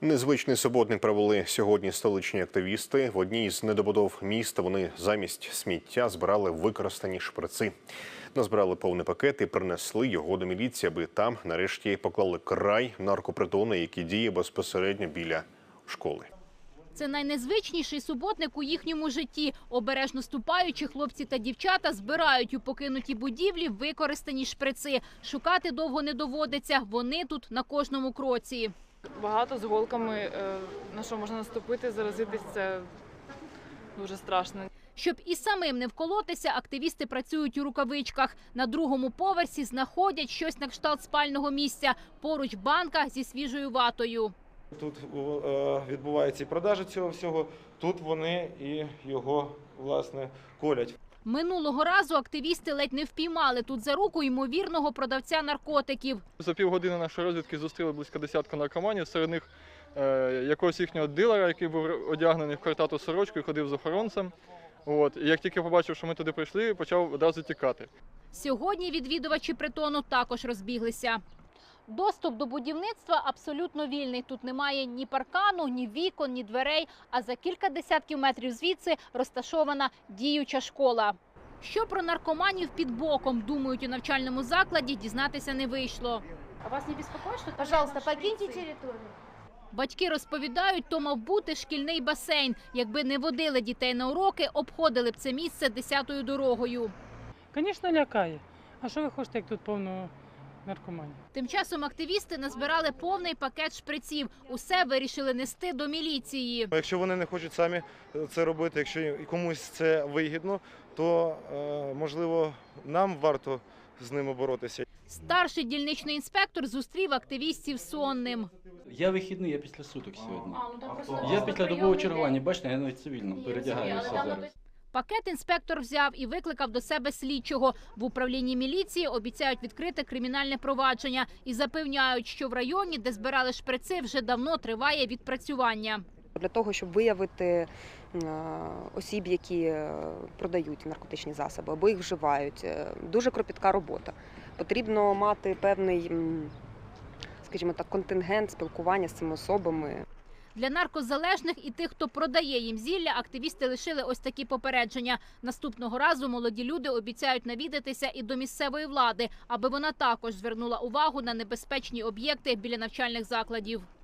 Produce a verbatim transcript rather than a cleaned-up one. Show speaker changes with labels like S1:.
S1: Незвичний суботник провели сьогодні столичні активісти. В одній з недобудов міста вони замість сміття збирали використані шприци. Назбирали повний пакет і принесли його до міліції, аби там нарешті поклали край наркопритону, який діє безпосередньо біля школи.
S2: Це найнезвичніший суботник у їхньому житті. Обережно ступаючи, хлопці та дівчата збирають у покинутій будівлі використані шприци. Шукати довго не доводиться, вони тут на кожному кроці.
S3: Багато з голками, на що можна наступити, заразитись – це дуже страшно.
S2: Щоб і самим не вколотися, активісти працюють у рукавичках. На другому поверсі знаходять щось на кшталт спального місця. Поруч банка зі свіжою ватою.
S4: Тут відбувається і продажа цього всього, тут вони і його, власне, колять.
S2: Минулого разу активісти ледь не впіймали тут за руку ймовірного продавця наркотиків.
S5: За півгодини нашої розвідки зустріли близько десятка наркоманів, серед них е, якогось їхнього дилера, який був одягнений в картату сорочку і ходив з охоронцем. От. І як тільки побачив, що ми туди прийшли, почав одразу тікати.
S2: Сьогодні відвідувачі притону також розбіглися. Доступ до будівництва абсолютно вільний. Тут немає ні паркану, ні вікон, ні дверей, а за кілька десятків метрів звідси розташована діюча школа. Що про наркоманів під боком думають у навчальному закладі, дізнатися не вийшло. А вас не безпокоїть, що там...
S6: Пожалуйста, покиньте територію.
S2: Батьки розповідають, то мав бути шкільний басейн. Якби не водили дітей на уроки, обходили б це місце десятою дорогою.
S7: Звісно, лякає. А що ви хочете, як тут повно наркоманів?
S2: Тим часом активісти назбирали повний пакет шприців. Усе вирішили нести до міліції.
S4: Якщо вони не хочуть самі це робити, якщо комусь це вигідно, то, можливо, нам варто з ними боротися.
S2: Старший дільничний інспектор зустрів активістів сонним.
S8: Я вихідний, я після суток сьогодні. Я після добового чергування, бачите, я навіть цивільно передягаюся зараз.
S2: Пакет інспектор взяв і викликав до себе слідчого. В управлінні міліції обіцяють відкрити кримінальне провадження і запевняють, що в районі, де збирали шприци, вже давно триває відпрацювання.
S9: Для того, щоб виявити осіб, які продають наркотичні засоби або їх вживають, дуже кропітка робота. Потрібно мати певний, скажімо так, контингент спілкування з цими особами.
S2: Для наркозалежних і тих, хто продає їм зілля, активісти лишили ось такі попередження. Наступного разу молоді люди обіцяють навідатися і до місцевої влади, аби вона також звернула увагу на небезпечні об'єкти біля навчальних закладів.